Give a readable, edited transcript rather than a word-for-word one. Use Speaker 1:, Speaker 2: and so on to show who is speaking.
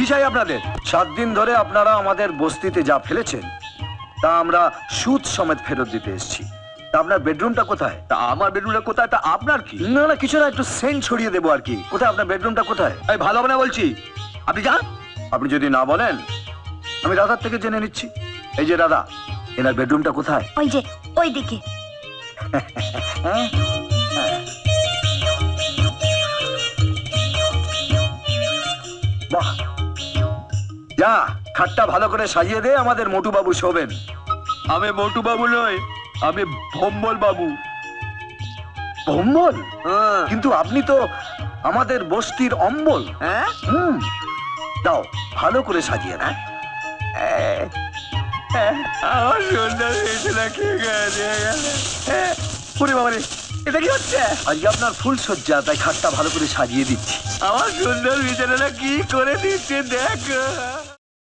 Speaker 1: কি চাই আপনাদের?
Speaker 2: 7 দিন ধরে আপনারা আমাদের বস্তিতে যা ফেলেছেন তা আমরা সুদ সমেত ফেরত দিতে এসেছি। তা আপনার বেডরুমটা কোথায়?
Speaker 1: তা আমার বেডরুমটা কোথায়? তা আপনার কি?
Speaker 2: না না, কিছু না, একটু সেন্ট ছড়িয়ে দেবো আর কি। কোথায় আপনার বেডরুমটা কোথায়?
Speaker 1: এই ভালো হবে না বলছি, আপনি যান।
Speaker 2: আপনি যদি না বলেন আমি রাধার থেকে জেনে নিচ্ছি। এই যে রাধা, এনার বেডরুমটা কোথায়?
Speaker 3: ওই যে ওইদিকে।
Speaker 2: বাহ, যা খাটটা ভালো করে সাজিয়ে দে, আমাদের মোটু বাবু শোবেন।
Speaker 1: আমি মোটু বাবু নই, আমি ভম্বল বাবু।
Speaker 2: ভম্বল?
Speaker 1: হ্যাঁ।
Speaker 2: কিন্তু আপনি তো আমাদের বস্তির অম্বল।
Speaker 1: হ্যাঁ?
Speaker 2: দাও ভালো করে সাজিয়ে দাও।
Speaker 1: আমার সুন্দর বিছানা কে গেছে? ওরে বাবা রে, এটা কি হচ্ছে?
Speaker 2: আজকে আপনার ফুল সজ্জা, তাই খাটটা ভালো করে সাজিয়ে দিচ্ছি।
Speaker 1: আমার সুন্দর বিছানাটা কি করে দিচ্ছে দেখো।